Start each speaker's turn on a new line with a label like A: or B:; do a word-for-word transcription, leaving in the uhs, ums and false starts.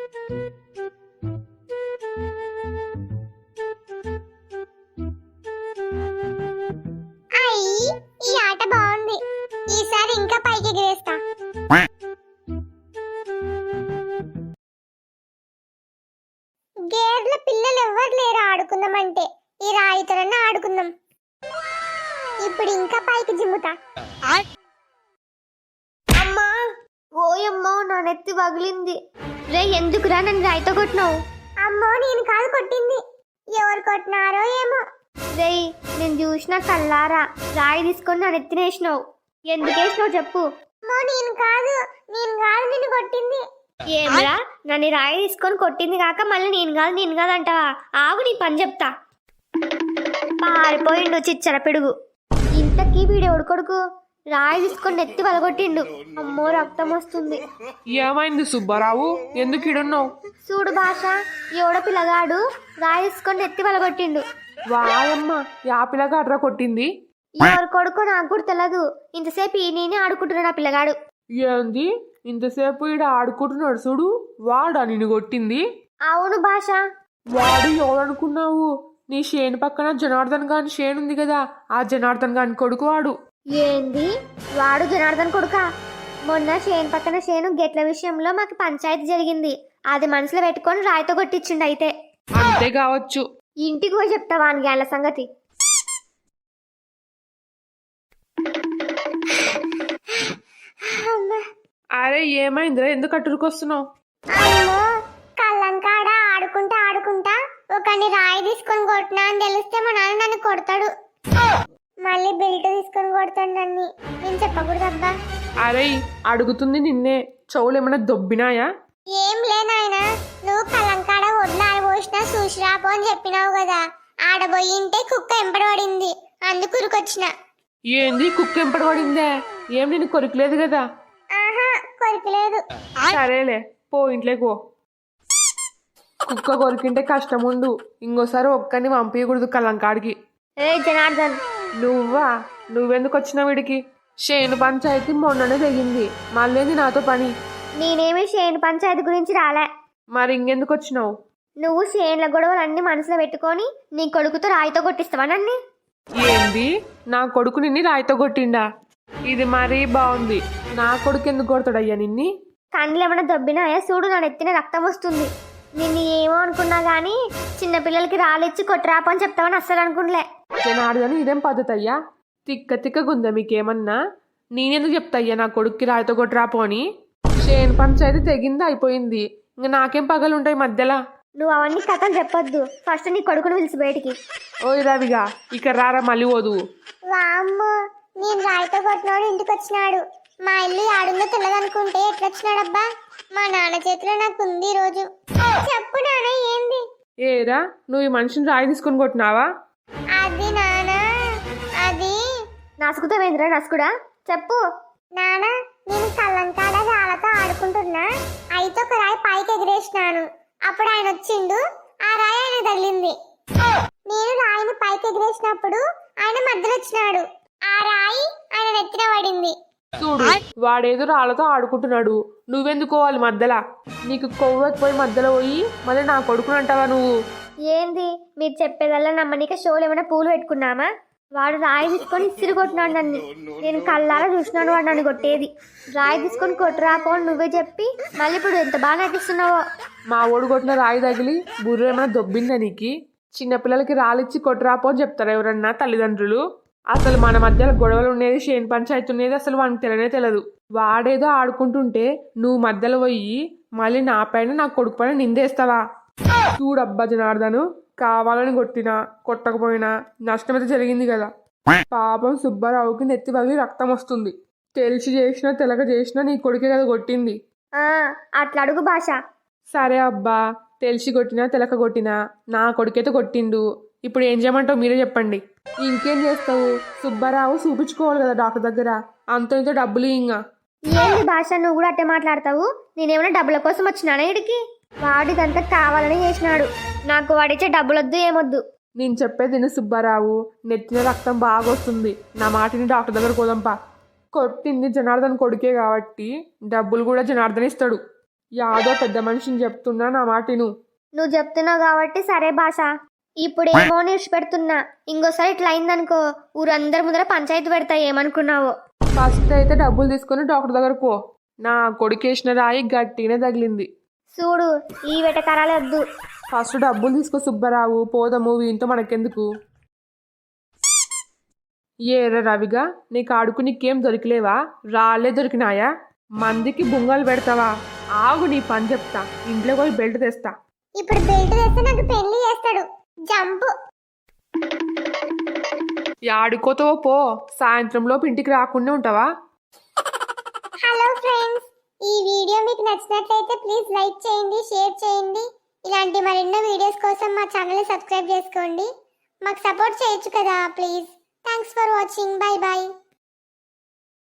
A: అయ్యి ఈ ఆట బాగుంది. ఈసారి ఇంకా పైకి ఎగిరేస్తా. గేర్ల పిల్లలు ఎవ్వరు లేరు ఆడుకుందామంటే. ఈ రాయితోనన్నా ఆడుకుందాం. ఇప్పుడు ఇంకా పైకి జిమ్ముతా.
B: అమ్మా ఓయమ్మో నా నెత్తి పగిలింది. రే ఎందుకురా నన్ను రాయితో కొట్టినావు?
A: అమ్మో నేను కాదు కొట్టింది. ఎవరు కొట్టినారో ఏమో.
B: రే నేను చూసిన కల్లారా రాయి తీసుకొని నా నెత్తిన వేసినావు. ఎందుకు వేసినావు చెప్పు.
A: అమ్మో నేను కాదు నేను కాదు నిన్ను కొట్టింది.
B: ఏమరా నన్ను రాయి తీసుకొని కొట్టింది కాక మళ్ళీ నేను కాదు నేను కాదు అంటావా? ఆగు నీ పని చెప్తా. పారిపోయిండు చిచ్చర పిడుగు. ఇంతకీ వీడెవడు కొడుకు రాయి తీసుకొని నెత్తి వలగొట్టిండు. అమ్మో రక్తం వస్తుంది.
C: ఏమైంది సుబ్బారావు, ఎందుకు ఇడున్నావు?
B: చూడు భాష, ఎవడ పిల్లగాడు రాయి తీసుకొని నెత్తి వలగొట్టిండు.
C: వాయమ్మ, యా పిల్లగా అట్రా కొట్టింది?
B: ఎవరు కొడుకో నాకు కూడా తెలియదు. ఇంతసేపు ఈ నేనే ఆడుకుంటున్నాడు ఆ పిల్లగాడు.
C: ఏంది ఇంతసేపు ఈడ ఆడుకుంటున్నాడు చూడు, వాడా నిన్ను కొట్టింది?
B: అవును భాష.
C: వాడు ఎవడనుకున్నావు? నీ షేను పక్కన జనార్దన్ గాని షేన్ ఉంది కదా, ఆ జనార్దన్ గాని కొడుకు వాడు.
B: ఏంది వాడు జనార్దన్ కొడుక? మొన్న షేన్ పక్కన షేను గెట్ల విషయంలో మాకు పంచాయతీ జరిగింది. అది మనసులో పెట్టుకొని రాయితో కొట్టించిండు. అయితే
C: అంతే కావచ్చు.
B: ఇంటికి పోయి చెప్తావా అని గ్యాన్ల సంగతి.
C: అరే ఏమైందిరా, ఎందుకు అట్టుకొస్తున్నావు?
A: అమ్మో కళ్ళంకాడ ఆడుకుంటా ఆడుకుంటా ఒకని రాయి తీసుకొని కొట్టినా అని తెలిస్తే మా నాన్న నన్ను కొడతాడు. మళ్ళీ బెల్ట్ తీసుకొని కొడతాడు నన్ను. నేను చెప్పకూడదబ్బా.
C: అరే అడుగుతుంది నిన్నే, చెవులు ఏమైనా దొబ్బినాయా?
A: ఏం లేనాయన, నువ్వు కళ్ళంకాడ వడ్లు ఆడబోసినా చూసిరాపో అని చెప్పినావు కదా. ఆడబోయింటే కుక్క ఎంపడబడింది, అందుకు ఉరికొచ్చిన.
C: ఏంది కుక్క ఎంపడబడిందే? ఏం నేను కొరికలేదు కదా.
A: ఆహా కొరికలేదు.
C: సరేలే పో, ఇంట్లోకి పో. కుక్క కొరికింటే కష్టం ఉండు, ఇంకోసారి ఒక్కని పంపించకూడదు కలంకాడికి.
B: ఏ జనార్దన్,
C: నువ్వా? నువ్వెందుకు వచ్చినావు వీడికి? షేను పంచాయతీ మొన్ననే తెగింది, మళ్ళీ నాతో పని.
B: నేనేమి షేన్ పంచాయతీ గురించి రాలే.
C: మరి ఇంకెందుకు వచ్చినావు?
B: నువ్వు షేన్ల గొడవలన్నీ మనసులో పెట్టుకొని నీ కొడుకుతో రాయితో కొట్టిస్తావా నన్ను?
C: ఏంది నా కొడుకు నిన్ని రాయితో కొట్టిండా? ఇది మరీ బాగుంది. నా కొడుకు ఎందుకు కొడతాడయ్యా నిన్ని?
B: కండ్లు ఏమైనా దొబ్బినాయా చూడు, నా నెత్తిన రక్తం వస్తుంది. నిన్ను ఏమో అనుకున్నా గానీ చిన్నపిల్లలకి రాలిచ్చి కొట్టరాపని చెప్తావని అస్సలు అనుకునిలే.
C: జనార్దని ఇదేం పద్ధతి అయ్యా? తిక్క తిక్కగుందా మీకేమన్నా? నేనెందుకు చెప్తాయ్యా నా కొడుక్కి రాయితో కొట్టరాపోని? షేన్ పంచాయతీ తెగింది, అయిపోయింది. ఇంకా నాకేం పగలుంటాయి మధ్యలో?
B: నువ్వు అవన్నీ కథలు చెప్పొద్దు. ఫస్ట్ నీ కొడుకుని పిలిచి బయటికి.
C: ఓయ్ రవిగా, ఇక రారా మళ్ళీ వదువు.
A: వామ్మో నేను రాయితో కొట్టినోడు ఇంటికి వచ్చినాడు. మా ఇల్లు ఆడుందో తెలియదనుకుంటే ఎట్లొచ్చినాడబ్బా? మా నాన్న చేతిలో నాకు ఉంది ఈ రోజు. చెప్పు నాన్న ఏంది?
C: ఏరా నువ్వు ఈ మనిషిని రాయి తీసుకొని కొట్టినావా?
A: అది నాన్న, అది
B: నసుకుతావేంద్రా నసుకుడా? చెప్పు.
A: నాన్న నేను కళ్ళంకాడ రాళ్ళతో ఆడుకుంటున్నా, అయితే ఒక రాయి పైకి ఎగిరేసినాను. అప్పుడు ఆయన వచ్చిండు, ఆ రాయి ఆయన తగిలింది. నేను రాయిని పైకి ఎగిరేసినప్పుడు ఆయన మధ్యలో వచ్చినాడు, ఆ రాయి ఆయన నెత్తిన పడింది.
C: చూడు, వాడేదో రాళ్ళతో ఆడుకుంటున్నాడు, నువ్వెందుకోవాలి మధ్యలో? నీకు కొవ్వెక్కిపోయి మధ్యలో పోయి మళ్ళీ నా కొడుకుని అంటావా నువ్వు?
B: ఏంది మీరు చెప్పేదల్లా నమ్మనిక షోలు ఏమైనా పూలు పెట్టుకున్నామా? వాడు రాయి తీసుకొని ఇసిరి కొట్టినాడు నన్ను. నేను కళ్ళారా చూసినాడు వాడు నన్ను కొట్టేది. రాయి తీసుకొని కొట్టురాపో నువ్వే చెప్పి మళ్ళీ ఇప్పుడు ఎంత బాగా నటిస్తున్నావో.
C: మా ఓడు కొట్టిన రాయి తగిలి బుర్ర ఏమైనా దొబ్బిందా నీకు? చిన్నపిల్లలకి రాలిచ్చి కొట్టురాపో అని చెప్తారా ఎవరన్నా తల్లిదండ్రులు? అసలు మన మధ్యలో గొడవలు ఉండేది, షేన్ పంచాయతీ ఉండేది అసలు వానికి తెలియనే తెలియదు. వాడేదో ఆడుకుంటుంటే నువ్వు మధ్యలో పోయి మళ్ళీ నా పైన నా కొడుకు పైన నిందేస్తావా? చూడబ్బా జనార్దను, కావాలని కొట్టినా కొట్టకపోయినా నష్టం అయితే జరిగింది కదా. పాపం సుబ్బారావుకి నెత్తి పగిలి రక్తం వస్తుంది. తెలిసి చేసినా తెలక చేసినా నీ కొడుకే కదా కొట్టింది.
B: ఆ అట్లా అడుగు భాష.
C: సరే అబ్బా, తెలిసి కొట్టినా తెలక కొట్టినా నా కొడుకైతే కొట్టిండు. ఇప్పుడు ఏం చేయమంటావు మీరే చెప్పండి. ఇంకేం చేస్తావు? సుబ్బారావు చూపించుకోవాలి కదా డాక్టర్ దగ్గర, అంత ఇంత డబ్బులు. ఇంకా
B: ఏంది భాష, నువ్వు కూడా అట్టే మాట్లాడతావు? నేనేమైనా డబ్బుల కోసం వచ్చినానా ఇడికి? వాడిదంతా కావాలని చేసినాడు. నాకు వాడిచ్చే డబ్బులొద్దు ఏమొద్దు.
C: నేను చెప్పేది విను సుబ్బారావు, నెత్తిన రక్తం బాగా వస్తుంది. నా మాటిని డాక్టర్ దగ్గర పోదాంపా. కొట్టింది జనార్దన్ కొడుకే కాబట్టి డబ్బులు కూడా జనార్దన్ ఇస్తాడు. యాదో పెద్ద మనిషిని చెప్తున్నా నా మాటిను.
B: నువ్వు చెప్తున్నావు కాబట్టి సరే భాష. ఇప్పుడేమో పెడుతున్నా, ఇంకోసారి ఇట్లా అయిందనుకో ఊరందరి ముందర పంచాయతీ పెడతా. ఏమనుకున్నావో?
C: ఫస్ట్ అయితే డబ్బులు తీసుకొని డాక్టర్ దగ్గరకు పో. నా కొడుకేసిన రాయి గట్టినే తగిలింది.
B: చూడు ఈ వెటకారాలే వద్దు.
C: ఫస్ట్ డబ్బులు తీసుకో సుబ్బారావు, పోదాము, వీంతో మనకెందుకు. ఏరా రవిగా, నీకు ఆడుకు నీకేం దొరికిలేవా? రాళ్ళే దొరికినాయా? మందికి బుంగలు పెడతావా? ఆగు, నీ పని చెప్తా. ఇంట్లో పోయి బెల్ట్ తెస్తా.
A: ఇప్పుడు బెల్ట్ తెస్తే నాకు పెళ్లి చేస్తాడు. జంపు.
C: ఆడుకోతావో పో, సాయంత్రంలోపు ఇంటికి రాకుండా ఉంటావా?
A: హలో ఫ్రెండ్స్, ఈ వీడియో మీకు నచ్చినట్లయితే ప్లీజ్ లైక్ చేయండి, షేర్ చేయండి. ఇలాంటి మరెన్నో వీడియోస్ కోసం మా ఛానల్ని సబ్స్క్రైబ్ చేసుకోండి. మాకు సపోర్ట్ చేయొచ్చు కదా please. Thanks for watching. Bye bye.